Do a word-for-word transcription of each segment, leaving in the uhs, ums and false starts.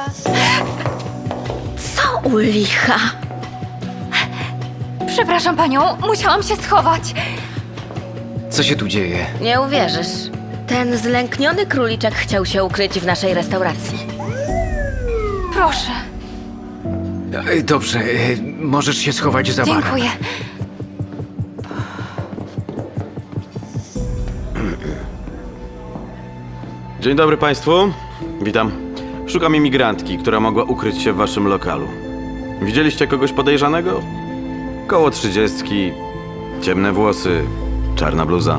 Co u licha? Przepraszam panią, musiałam się schować. Co się tu dzieje? Nie uwierzysz. Ten zlękniony króliczek chciał się ukryć w naszej restauracji. Proszę, E, Dobrze, e, możesz się schować za barem. dziękuję. Dzień dobry Państwu. Witam. Szukam imigrantki, która mogła ukryć się w Waszym lokalu. Widzieliście kogoś podejrzanego? Koło trzydziestki, ciemne włosy, czarna bluza.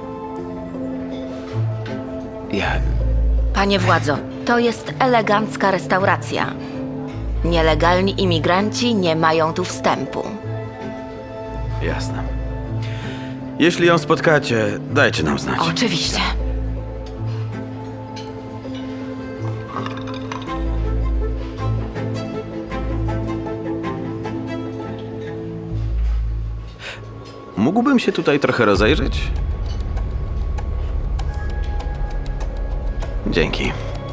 Ja... Panie władzo, to jest elegancka restauracja. Nielegalni imigranci nie mają tu wstępu. Jasne. Jeśli ją spotkacie, dajcie nam znać. Oczywiście. Mógłbym się tutaj trochę rozejrzeć? Dzięki.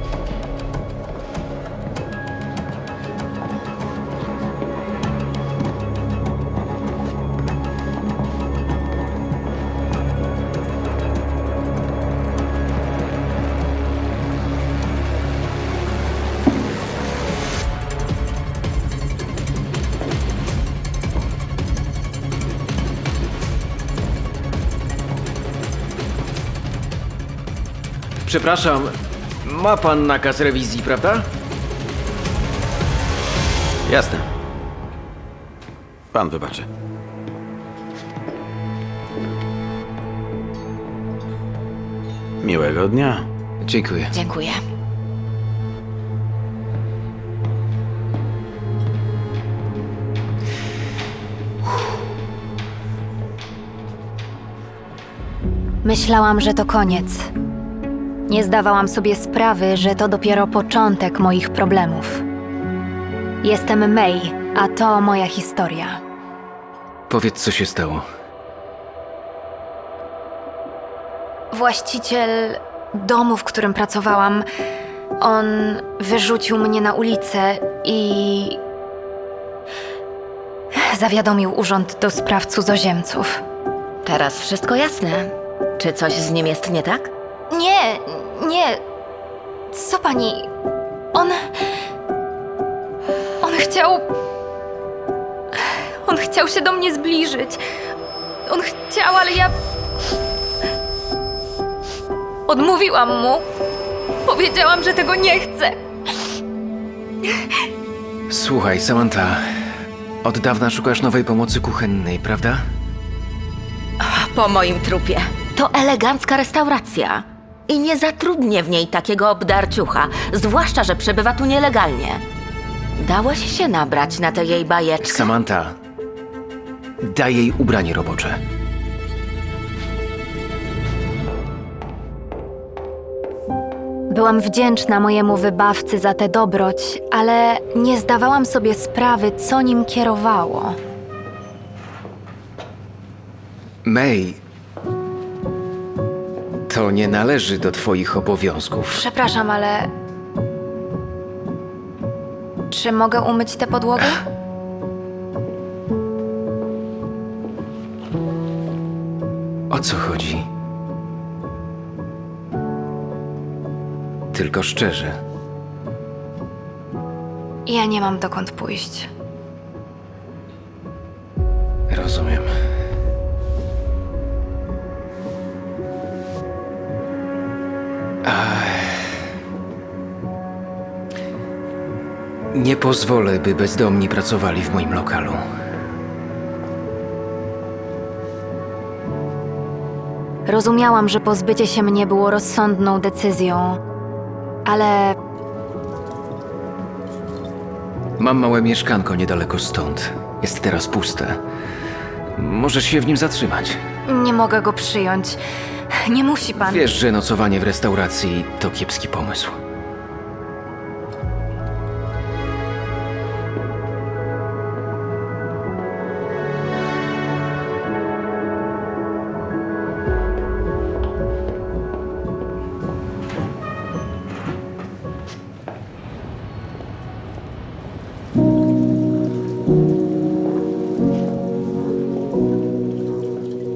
Przepraszam, ma pan nakaz rewizji, prawda? Jasne. Pan wybaczy. Miłego dnia. Dziękuję. Dziękuję. Myślałam, że to koniec. Nie zdawałam sobie sprawy, że to dopiero początek moich problemów. Jestem May, a to moja historia. Powiedz, co się stało. Właściciel domu, w którym pracowałam, on wyrzucił mnie na ulicę i zawiadomił Urząd do Spraw Cudzoziemców. Teraz wszystko jasne. Czy coś z nim jest nie tak? Nie, nie. Co pani? On. On chciał. On chciał się do mnie zbliżyć. On chciał, ale ja. Odmówiłam mu. Powiedziałam, że tego nie chcę. Słuchaj, Samantha, od dawna szukasz nowej pomocy kuchennej, prawda? Po moim trupie. To elegancka restauracja. I nie zatrudnię w niej takiego obdarciucha, zwłaszcza, że przebywa tu nielegalnie. Dałaś się nabrać na tę jej bajeczkę. Samantha, daj jej ubranie robocze. Byłam wdzięczna mojemu wybawcy za tę dobroć, ale nie zdawałam sobie sprawy, co nim kierowało. May, to nie należy do twoich obowiązków. Przepraszam, ale. Czy mogę umyć tę podłogę? O co chodzi? Tylko szczerze. Ja nie mam dokąd pójść. Rozumiem. Nie pozwolę, by bezdomni pracowali w moim lokalu. Rozumiałam, że pozbycie się mnie było rozsądną decyzją, ale Mam małe mieszkanko niedaleko stąd. Jest teraz puste. Możesz się w nim zatrzymać. nie mogę go przyjąć. Nie musi pan. Wiesz, że nocowanie w restauracji to kiepski pomysł.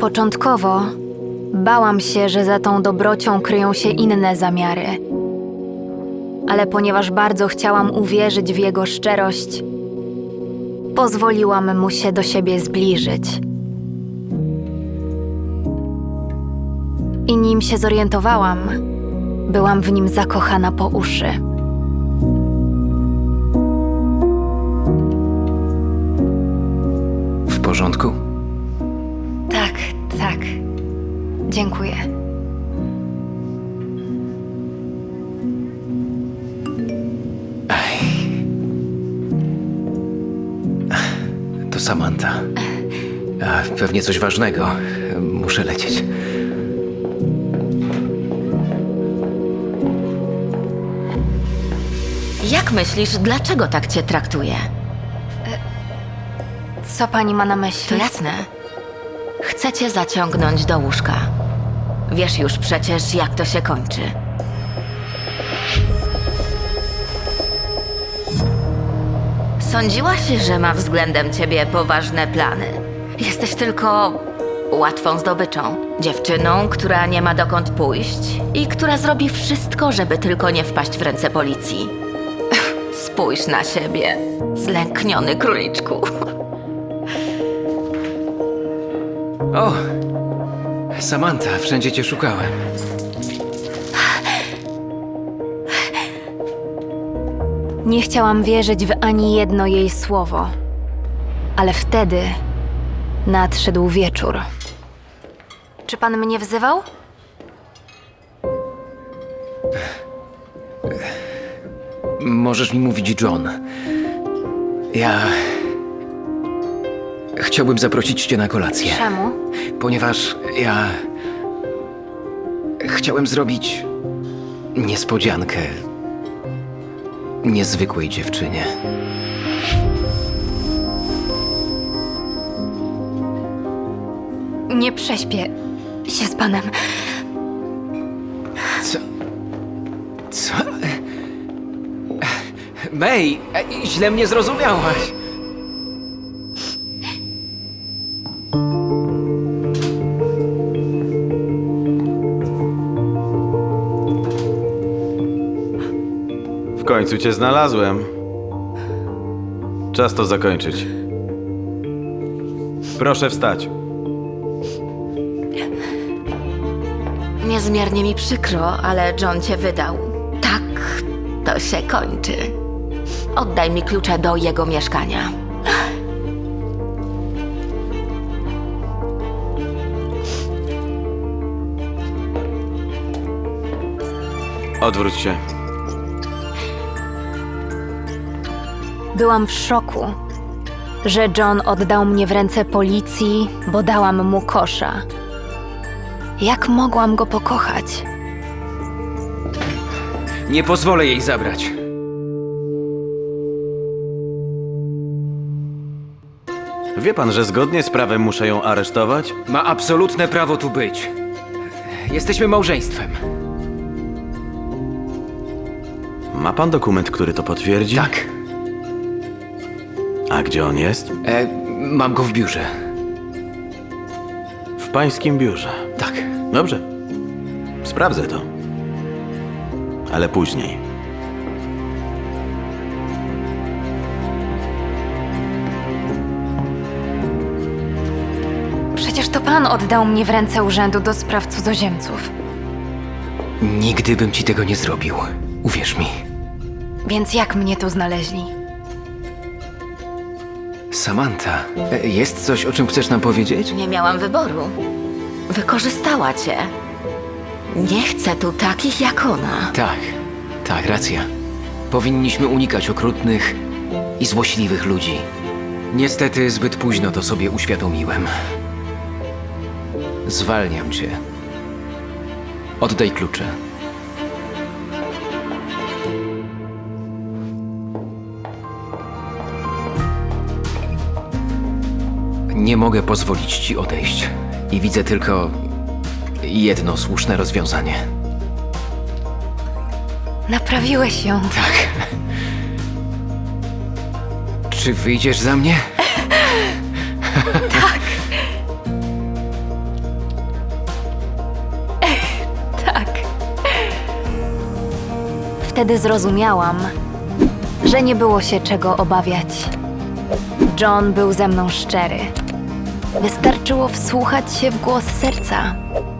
Początkowo bałam się, że za tą dobrocią kryją się inne zamiary. Ale ponieważ bardzo chciałam uwierzyć w jego szczerość, pozwoliłam mu się do siebie zbliżyć. I nim się zorientowałam, byłam w nim zakochana po uszy. W porządku? Tak, tak. Dziękuję. To Samantha. A, pewnie coś ważnego. Muszę lecieć. Jak myślisz, dlaczego tak cię traktuje? Co pani ma na To myśli? jasne. Chcę cię zaciągnąć do łóżka. Wiesz już przecież, jak to się kończy. Sądziłaś, że ma względem ciebie poważne plany. Jesteś tylko łatwą zdobyczą. Dziewczyną, która nie ma dokąd pójść i która zrobi wszystko, żeby tylko nie wpaść w ręce policji. Spójrz na siebie, zlękniony króliczku. O! Samantha, wszędzie cię szukałem. Nie chciałam wierzyć w ani jedno jej słowo. Ale wtedy nadszedł wieczór. Czy pan mnie wzywał? Możesz mi mówić John. Ja... Chciałbym zaprosić cię na kolację. Czemu? Ponieważ ja... Chciałem zrobić... niespodziankę... niezwykłej dziewczynie. Nie prześpię się z panem. Co? Co? May, e, źle mnie zrozumiałaś. W końcu cię znalazłem. Czas to zakończyć. Proszę wstać. Niezmiernie mi przykro, ale John cię wydał. Tak, to się kończy. Oddaj mi klucze do jego mieszkania. Odwróć się. Byłam w szoku, że John oddał mnie w ręce policji, bo dałam mu kosza. Jak mogłam go pokochać? Nie pozwolę jej zabrać. Wie pan, że zgodnie z prawem muszę ją aresztować? Ma absolutne prawo tu być. Jesteśmy małżeństwem. Ma pan dokument, który to potwierdzi? Tak. A gdzie on jest? E, mam go w biurze. W pańskim biurze. Tak. Dobrze. Sprawdzę to. Ale później. Przecież to pan oddał mnie w ręce Urzędu do Spraw Cudzoziemców. Nigdy bym ci tego nie zrobił. Uwierz mi. Więc jak mnie tu znaleźli? Samantha, e, jest coś, o czym chcesz nam powiedzieć? Nie miałam wyboru. Wykorzystała cię. Nie chcę tu takich jak ona. Tak, tak, racja. Powinniśmy unikać okrutnych i złośliwych ludzi. Niestety zbyt późno to sobie uświadomiłem. Zwalniam cię. Oddaj klucze. Nie mogę pozwolić ci odejść. I widzę tylko jedno słuszne rozwiązanie. Naprawiłeś ją. Tak. Czy wyjdziesz za mnie? Tak. Wtedy zrozumiałam, że nie było się czego obawiać. John był ze mną szczery. Wystarczyło wsłuchać się w głos serca.